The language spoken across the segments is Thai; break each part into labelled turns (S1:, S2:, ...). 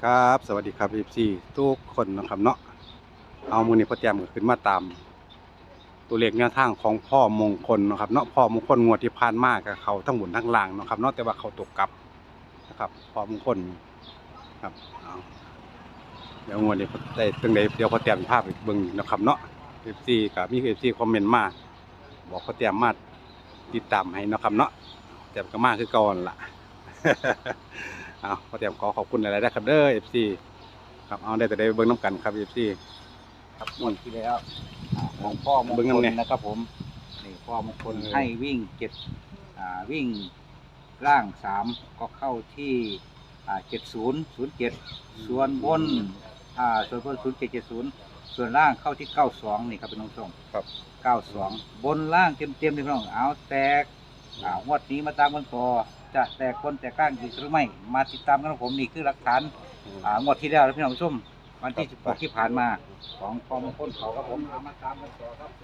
S1: ครับสวัสดีครับ FC ทุกคนนะครับเนาะเอามือนี้พ่อแจมก็ขึ้นมาตามตัวเลขแนวทางของพ่อมงคลนะครับเนาะพ่อมงคลงวดที่ผ่านมากับเขาทั้งบนทั้งล่างนะครับเนาะแต่ว่าเขาตกกลับนะครับพ่อมงคลครับเอาเดี๋ยวงวดนี้ได้ตั้งใดเดี๋ยวพ่อแจมภาพอีกเบิ่งนะครับเนาะ FC กับมี FC คอมเมนต์มาบอกพ่อแจมมาติดตามให้นะครับเนาะแจมก็มาคือก่อนล่ะ เอาพ่อแจมขอบคุณหลายๆนะครับเด้อ FC ครับเอาได้แต่ได้เบิ่งน้ำกันครับ FC
S2: ครับงวดที่แล้วของพ่อมง
S1: เบิ่ง
S2: คล
S1: นำเนี่ย
S2: นะครับผมนี่พ่อมงคลให้วิ่งวิ่งล่าง3ก็เข้าที่7007ส่วนบนส่วนบน0770ส่วนล่างเข้าที่92นี่ครับเป็นน้องส่ง
S1: ครับ
S2: 92บนล่างเต็มๆเลยพี่น้องเอาแตกงวดนี้มาตามกันต่อจะแตกคนแตกก้างอีกหรือไม่มาติดตามกันของผมนี่คือหลักฐานงวดที่แล้วนะพี่น้องผู้ชมวันที่16ที่ผ่านมาของพ่อมงคลเขาครับผมมาตามกันต่อครับ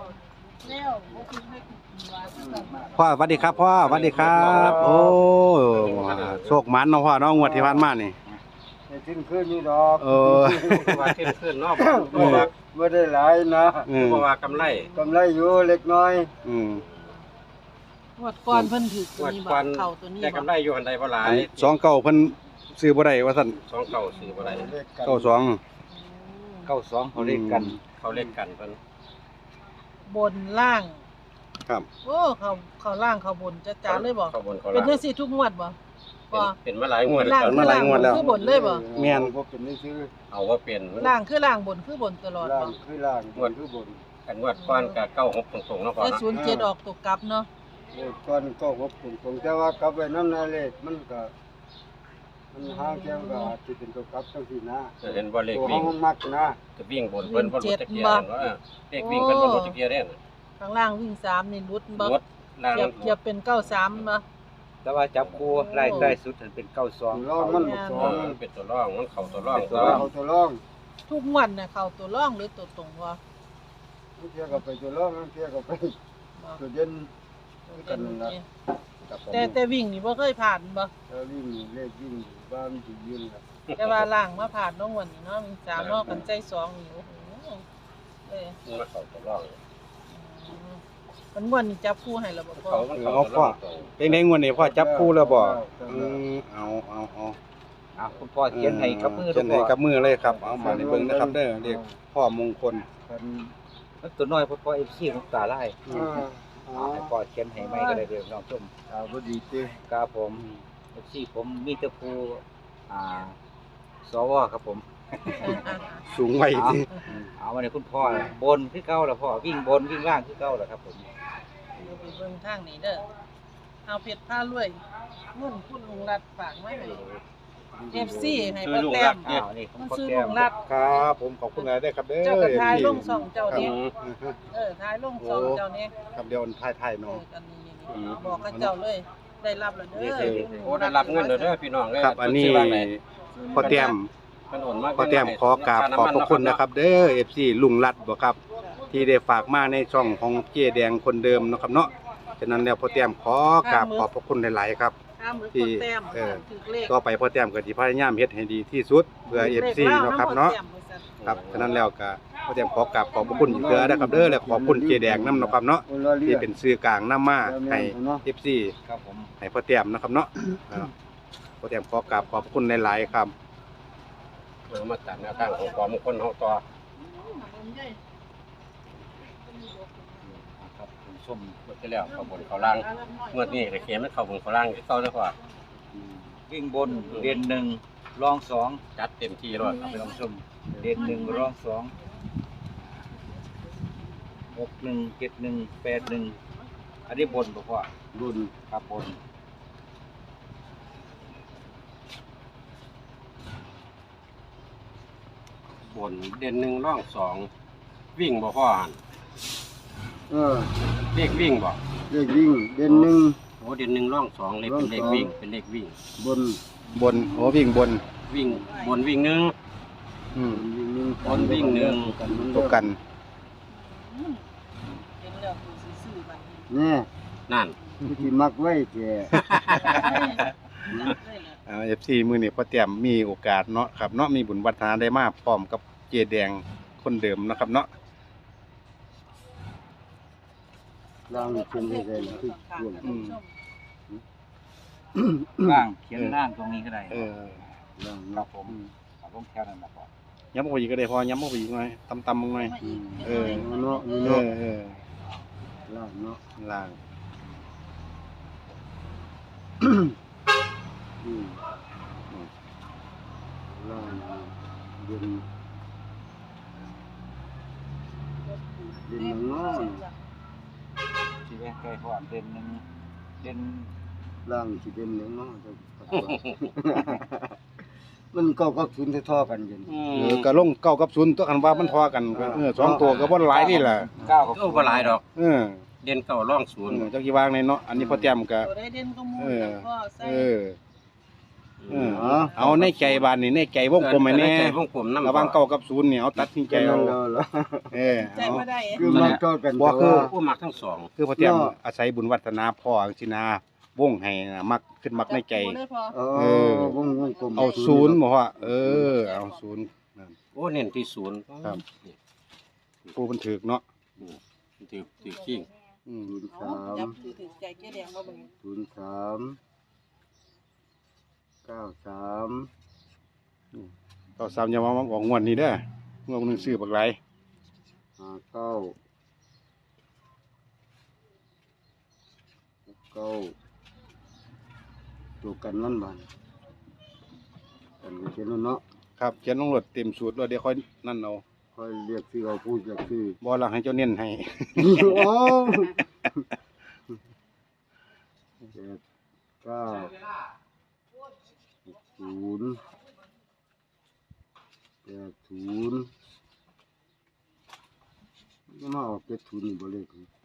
S1: พ่อสวัสดีครับพ่อสวัสดีครับโอ้โชคมันเนาะพ่อเนาะงวดที่ผ่านมานี่
S3: ขึ้นขึ้นนี่ดอก
S2: ว่าเข้มขึ้นเนาะ
S3: ไม่ได้หลายนะ
S2: เพราะว่ากำไร
S3: กำไรอยู่เล็กน้อย
S4: งวดก่อนเพิ่นถือตัวนี้
S2: งวด
S4: บ่
S2: ก่อน
S4: เข้าตัวนี้
S2: ได้
S4: บ่
S2: กำไรอยู่อันใดบ่หลาย
S1: สองเก้าเพิ่นซื้อบ่ได้ว่าซั่น
S2: 2เก่า4บ่ได้
S3: เลขกัน
S1: เก้าสอง
S2: 92เขาเล่นกันเขาเล่นกันเพิ่น
S4: บนล่าง
S1: ครับ
S4: โอ้เขาล่างเขาบนจะจ๋าเลยบ่
S2: เขาบนเขา
S4: เป็น
S2: ล่าง
S4: จังซี่ทุกงวดบ่บ่
S2: เป็นมาหลายงวด
S4: ล่าง
S1: มาหลายงวดแล้ว
S4: คือบนเลยบ่
S1: แม่น
S3: บ่เป็นนี่ซื้อ
S2: เอาว่าเป็น
S4: ล่างคือล่างบนคือบนตลอด
S3: ล่า
S4: บ่
S3: งคือล่างบนคือบน
S2: กันงวดก่อนก็96ตรงๆเนาะพ่อ
S4: แล้ว
S2: เนาะ
S4: 07ออกตกกลับเนาะ
S3: เลขก้อนก็หกตรงๆแต่ว่ากลับไปน้ำนาเลขมันก็มันห่างแค่ก็อาจจะเป็นตัวกลับจังซี่นะ
S2: เห็นบ่เลข
S3: ตัว
S2: วิ่ง
S3: ห้องมักนะ
S2: จะวิ่งบนเพิ่นบ่รู้จักเกียร์ว่าเลขวิ่งเพิ่นบ่รู้จักเกียร์เด้อ
S4: ข้างล่างวิ่ง3นี่หลุดบ่
S2: รถล่าง
S4: เกียบเป็น93บ่
S2: แต่ว่าจับคู่ไล่ใต้สุดเป็น
S3: ตัว
S2: 92
S3: ร่องมันสอง
S2: มันเป็นตัวร่องมันเข้าตัวร่อง
S3: ตัวร่องเอาตัวร่อง
S4: ทุกงวดน่ะเข้าตัวร่องหรือตัวตรงบ่
S3: มันเทียบกับไปตัวร่องมันเทียบกับไป
S4: บ่
S3: ตัวเด่น กันนั่นล่ะ
S4: แต่วิ่งนี่บ่เคยผ่านบ่
S3: แล้ววิ่งเลขวิ่งบ้านสิยืนล่ะ
S4: แต่ว่าล่างมาผ่านน้องวันนี้เนาะมี3เนาะกันใจ2นี่โอ้โหเอ้ย
S2: มันเข้าตัวร่อง
S4: มันม่วนนี่จับคู่ให้แล้วบ่พ่อ
S2: เขามันเข้าตัวร่อง
S1: เป็นไงงวดนี้พ่อจับคู่แล้วบ่เอา
S2: คุณพ่อเขียนให้กับมือ
S1: เขียนให้กับมือเลยครับเอามาในเบิ่งนะครับเด้อเรียกพ่อมงคล
S3: กัน
S2: มันตัวน้อยพ่อ FC ของตาลาย
S3: อ่า
S2: ให้พ่อเขียนให้ใหม่ก็ได้เด้อน้องชม
S3: บ่ดีติ
S2: ครับผม FC ผมมีแต่ผู้สวครับผม
S1: สูงไว้ที่
S2: เอามาในคุณพ่อบนคือเก่าแล้วพ่อวิ่งบนวิ่งล่างคือเก่าแล้วครับผม
S4: เดี๋ยวไปเบิ่งทางนี้เด้อเอาเพชรพารวยเงินคุณลุงรัดฝากมาให้ FC ให้พ่อแต้ม
S2: อ้าวนี่ของ
S4: มัน
S2: พ่อ
S4: ซื้อ
S2: แก้
S4: ลุ
S2: ม
S4: งรัด
S1: ครับผมขอบคุณหลายได้ครับเด้อ
S4: เจ้ากระทายลงช่องเจ้า
S1: ครับ
S4: นี้ทายลงช่องเจ้านี้
S1: ครับเดี๋ยวถ่ายๆเนาะ
S4: อันนี้บอกกับเจ้าเลย ได้รับแล้วเด้อ
S2: โอ้ได้รับเงินเด้อพี่น้องเด้อ
S1: ครับอันนี้พ่อแต้ม
S2: มันโอนมา
S1: ขอแต้มขอกราบขอบพระคุณนะครับ เด้อ FC ลุงรัดบ่ครับ ที่ได้ฝากมาในช่องของเจ๊แดงคนเดิมเนาะครับเนาะฉะนั้นแล้วพ่อแต้มขอกราบขอบพระคุณหลายๆครับ
S4: ห้ามมือพ่อแต้มถือเลข
S1: ต่อไปพ่อแต้มก็สิพยายามเฮ็ดให้ดีที่สุดเพื่อ FC เนาะครับเนาะครับฉะนั้นแล้วก็พ่อแต้มขอกราบขอบพระคุณอีกเทื่อนะครับเด้อและขอบคุณเจ๊แดงนำเนาะครับเนาะ
S3: คนละเรี
S1: ที่
S3: ยก
S1: เป็นสื่อกลางนำมาให้ FC
S2: ครับผม
S1: ให้พ่อแต้มนะครับเนาะพ่อแต้มขอกราบขอบพระคุณหลายๆครับ
S2: มาตามแนวทางของความมงคลเฮาต่อครับคุณชมเมื่อที่แล้วเขาบนเขาล่างเมื่อนี้ก็เขียนมันเข้าบนเขาล่างที่เก่าแล้วพ่อวิ่งบนเด่น1รอง2จัดเต็มที่แล้วครับพี่น้องชมเด่น1รอง2 61 71 81อันนี้บนบ่พ่อ
S3: รุ่น
S2: ครับบนบนเด่น1ร่อง2วิ่งบ่พ่อหั่น
S3: เออ
S2: เลขวิ่งบ่
S3: เลขวิ่งเด่นหนึ่ง
S2: โอ้เด่น1ร่อง2เลยเป็นเลขวิ่งเป็นเลขวิ่ง
S3: บน
S1: บนโอ้วิ่งบน
S2: วิ่งบนวิ่งหนึ่ง
S1: อืม
S3: วิ่งหนึ่ง
S2: บนวิ่งหนึ่ง
S1: ตกกัน
S4: เห็นแล้วคือซื้อบัดนี้
S3: นี่
S2: นั่น
S3: ที่มักไว้แก่
S1: ค FC มื้อนี้พ่อแต้มมีโอกาสเนาะครับเนาะมีบุญวัฒนาได้มาพร้อมกับเจแดงคนเดิมเนาะครับเนาะ
S3: ล่างนี่เป็นได้เลยคือรวม
S2: ล่างเขียนล่างตรงนี้ก็ได้
S3: ล่าง
S2: ครั
S3: เนาะ
S2: บผมเอาลงแถวนั้นนะพ่อ
S1: ย้ำออกไปอีกก็ได้พอย้ำออกไปอีกหน่อยตำๆลงหน่อย
S3: เนาะนี่
S1: เอ
S3: เนาะ
S1: อ
S3: ล่างเนาะ
S1: ล่าง
S3: อืมล่างเดินเนาะ
S2: ที่แม่ใกล้พ่อเด่นหนึ่งเด่น
S3: ล่างสิเด่นเนาะมันก็ทุนเท่ากันอยู่
S1: ก็ลง9กับ0ตัวคันว่ามันทอกันก็สองตัวก็บ่หลายนี่ล่ะ
S2: เก้ากับ
S5: ก็บ่หลายดอก
S1: เออ
S5: เด่นเก่าร่องศูนย์
S1: จักสิวางในเนาะอันนี้พ่อแต้มก็
S4: ตัวได้เด่นก็มู
S1: เออ
S4: ก็ใส่
S1: เออเอาในใจบานนี่ในใจวงกลมให้แน่
S5: ใจวงกลมนำ
S1: ระหว่าง9กับ0เนี่ยเอาตัดสินใจเอา
S3: แล้ว
S4: ใจ
S1: เอา
S4: บ่ได้
S3: คือมันก็กัน
S1: บ่คือ
S5: ผู้มักทั้งสอง
S1: คือพ่อแต้มอาศัยบุญวัฒนาพ่อจังซี่นะวงให้นะมักขึ้นมักในใจ
S4: เลยพอ
S3: วงกลม
S1: เอา0บ่ว่าเอา0นั่น
S5: โอ้เน้นที่ศูนย์
S1: ครับ ผู้มันถึกเนาะ
S5: ถือขิง
S1: อืม
S4: เอาจับถือใจแก่แดงบ่บัดนี้
S3: 03 93
S1: ก็ซ้ำอย่ามาออกงวดนี้เด้องวดนึงซื้อบักหลาย
S3: 59ตัวกันมันบานกันเขียนเนาะ
S1: ครับเขียนลงรถเต็มสูตรแล้วเดี๋ยวค่อยนั่นเอา
S3: ค่อยเรียกชื่อเอาพูดจากชื่อ
S1: บ่ล่ะให้เจ้าเน้นให้
S3: โอ้เจ็ดเก้า60 80มาออก70นี่บ่เลข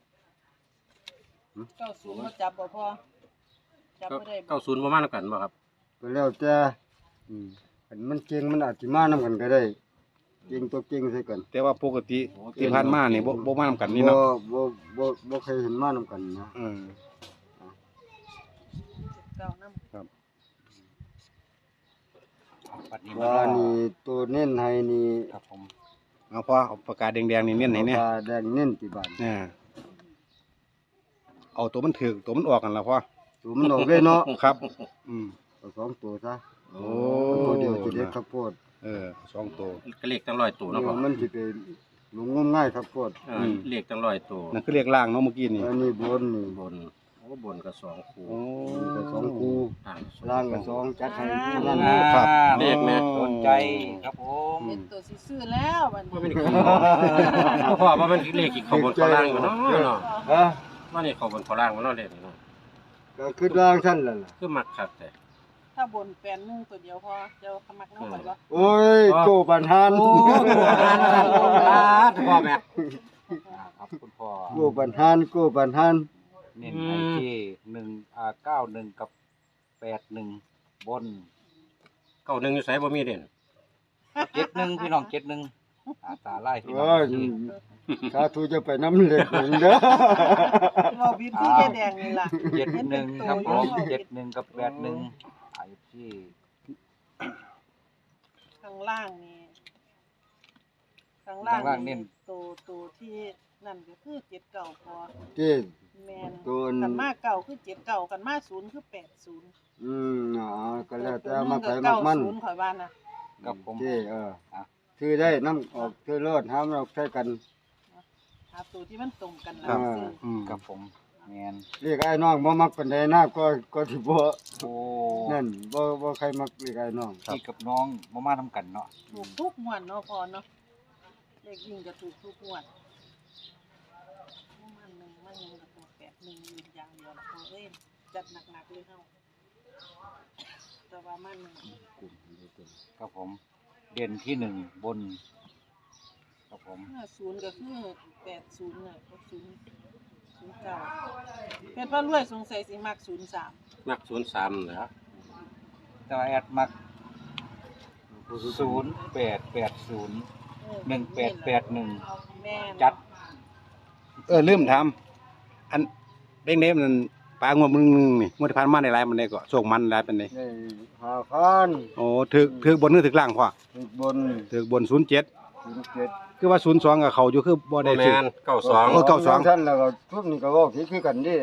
S4: 90บ่จับบ่พอจับบ่ได้บ่
S5: เก้าศูนย์บ่มานํกันบ่ครับ
S3: ก็แล้วแต่อันมันเก่งมันอาจสิมานำกันก็ได้เก่งตัวเก่งใส่กัน
S1: แต่ว่าปกติที่ผ่านมานี่บ่มานำกันนี่
S3: บ่
S1: เนาะ
S3: บ่เคยเห็นมานำกันนะ
S4: เก้านำ
S2: ปัดนี้
S3: ว่านี่ตัวเน้นให้นี่
S2: ครับผม
S1: เอาพอเอาปากกาแดงๆนี่เน้นให้แน่
S3: ปลาแดงเน้นที่บ้าน
S1: เอาตัวมันถึกตัวมันออกกันล่ะพ่อ
S3: ตัวมันออกเลยเนาะ
S1: ครับ
S3: เอาสองตัวซะ
S1: โอ้
S3: ตัวเดียวสิเด็ดข้าวโพด
S1: สองตัว
S5: ก็เลขตั้งร้อยตัว
S3: เดี๋
S5: เนาะ
S3: ย
S5: พ่อ
S3: วมันสิไปลงงมง่ายข้าวโพด
S5: เลขตั้งร้อยตัว
S1: นั่นคือเรียกล่างเนาะเมื่อกี้นี่
S3: อันนี้บนนี่
S5: บนโอ้บนก็สองคู่
S1: โอ้
S3: ก็สองคู่
S5: อ่างสอง
S3: ล่างก็สองจัดให้คู่นั่น
S1: ครับ
S5: เลขแม่
S2: โดนใจครับผม
S4: เป็นตัวสิซื้อแล้วบัด
S5: ว่า
S4: นี้
S5: เป็นขี้พ่อว่ามันเลขอีกเข้าบนเข้าล่างอยู่เนาะเนาะ
S3: ฮะ
S5: ว่านี่เข้าบนเข้าล่างมันเนาะเลขนี่เนาะ
S3: ก็คือล่างท่านล่ะ
S5: คือมักคักแต่
S4: ถ้าบน81ตัวเดียวพอเจ้าขมักนำบ่บ่
S3: โอ้ยโกบันหัน
S5: โอ้พ่อแม่
S2: ครับคุณพ่อ
S3: โกบันหันโกบันหัน
S2: เน้นให้ที่91กับ81บน
S5: เก้าหนึ่งอยู่ไสบ่มีเด่น
S2: 71พี่น้อง71ตาไล่พี่น้อ
S3: โอ้ย
S2: ง
S3: สาธุจะไปน้ำเล็กเด้อ
S4: เราวิธีแก่แดงนี่ล่ะ
S2: 71ครับผม71กับ81ไอ้ที่
S4: ข้างล่างนี่ข้างล่างนี่ตัวที่นั่นก็คือ79พอ
S3: เจ้
S4: แม่น
S3: ตัว
S4: กันมาเก่าคือ79กันมา0คือ80
S3: ก็แล้วแต่มาใส่มักมัน
S4: 90ข่อยว่านะ
S2: กับผม
S3: เจ้ซื้อได้น้ำออกซื้อรถห้ามเราใช้กัน
S4: หาตัวที่มันตรงกันแล้ว
S3: ครับ
S4: ซื้อ
S2: กับผมแมน
S3: เรียกไอ้น้องบ่มักปานใดนะก็สิบ่
S2: โอ้
S3: นั่นบ่ใครมักเรียกไอ้น้อง
S2: พี่กับน้องมามาทำกันเนาะ
S4: ถูกทุกงวดเนาะพอเนาะเลขยิ่งก็ถูกทุกงวดมันหนึ่งมันยังก็ตัว81อยู่อย่างเดียวล่ะพอเอ้ยจัดหนักๆเลยเฮาแต่ว่ามันหนึ่ง
S2: ครับผม เด่นที่1บนครับผม
S4: 50ก็คือ80น่ะก็09เพชรว่ารวยสงสัยสิมัก03
S5: มัก03นะครับ
S2: แต่ว่าแอดมัก0880 1881
S4: แม่น
S2: จัด
S1: ลืมถามอันเด้งๆมันปลางวดมึงนี่งวดที่ผ่านมาได้หลายมันได้ก็โชคมันหลายปานใด
S3: ได้5,000
S1: โอ้ถึกบนหรือถึกล่างพ่อ
S3: ถึกบน
S1: ถึกบน07
S3: 07
S1: คือว่า02กับเขาอยู่คือบ่ได้
S5: แม
S1: ซื้อ
S5: น92
S1: โอ้ 92
S3: ท่านแล้วก็ทุกนี่ก็เว้าผิดคือกันเด้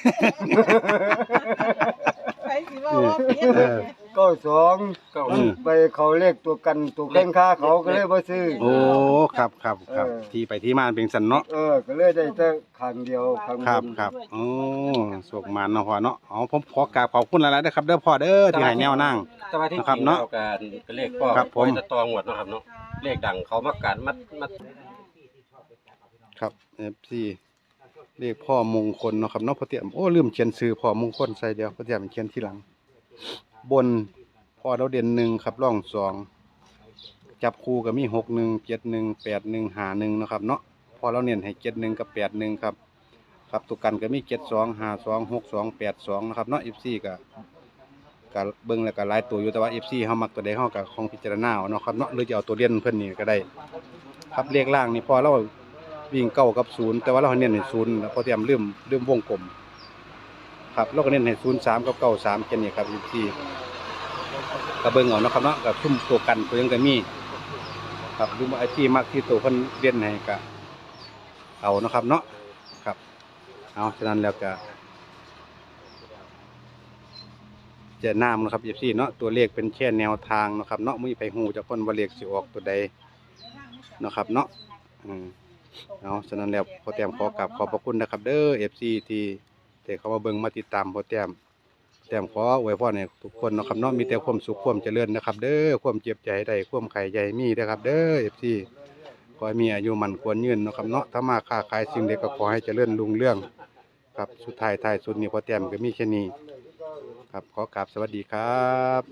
S4: ใครสิว่าว่าเพี้ยน
S1: เออ
S3: 92มันไปเขาเลขตัวกันตัวแข่งค้าเขาก็เลยบ่ซื้อ
S1: โอ้ครับครับครับที่ไปที่มาเป็นสันเนาะ
S3: ก็เลยได้แต่ข้างเดียวข้างบน
S1: ครับครับโอ้โชคมันเนาะพ่อเนาะอ๋อผมขอกราบขอบคุณหลายๆนะครับเด้อพ่อเด้อที่ให้แนวนั่ง
S5: แต่ว่าที่
S1: นะครับ
S5: จริง
S1: เนาะ
S5: แล้วการเลขพ่อ
S1: ครับผม
S5: ไว้จะตองหมดเนาะครับเนาะเลขดังเขามักการมัด
S1: ครับ FC เรียกพ่อมงคลเนาะครับเนาะพ่อเตรียมโอ้ลืมเขียนชื่อพ่อมงคลใส่เดียวพ่อเตรียมเขียนทีหลัง บนพ่อเราเด่น1ครับร่อง2จับคู่ก็มี61 71 81 51เนาะครับเนาะพอเราเน้นให้71กับ81ครับครับตัวกันก็มี72 52 62 82นะครับเนาะ FC ก็เบิ่งแล้วก็หลายตัวอยู่แต่ว่า FC เฮามักตัวใดเฮาก็คงพิจารณาเอาเนาะครับเนาะหรือจะเอาตัวเรียนเพิ่นนี่ก็ได้ ครับเลขล่างนี่พอเราวิ่งเก้ากับ0แต่ว่าเราเน้นให้0แล้วพอเตรียมลืมวงกลมครับเราก็เน้นให้03กับ93แค่นี้ครับ FC ก็เบิ่งเอาเนาะครับเนาะกับซุ่มตัวกันตัวยังก็มีครับดูไอ้ที่มักที่ตัวเพิ่นเรียนให้ก็เอาเนาะครับเนาะครับเอาฉะนั้นแล้วก็จะนำนะครับ FC เนาะตัวเลขเป็นแค่แนวทางเนาะครับเนาะมื้อไปฮู้จักเพิ่นว่าเลขสิออกตัวใดเนาะครับเนาะเอาฉะนั้นแล้วพอแต้มขอกราบขอบพระคุณนะครับเด้อ FC ที่เขามาเบิ่งมาติดตามพอแต้มขออวยพรให้ทุกคนเนาะครับเนาะมีแต่ความสุขความเจริญนะครับเด้อความเจ็บใจได้ความไข่ใหญ่มีเด้อครับเด้อ FC ขอให้มีอายุมันควรยืนเนาะครับเนาะถ้ามาค้าขายสิ่งใดก็ขอให้เจริญรุ่งเรืองครับสุดท้ายสุดนี้พอแต้มก็มีแค่นี้ครับขอกราบสวัสดีครับ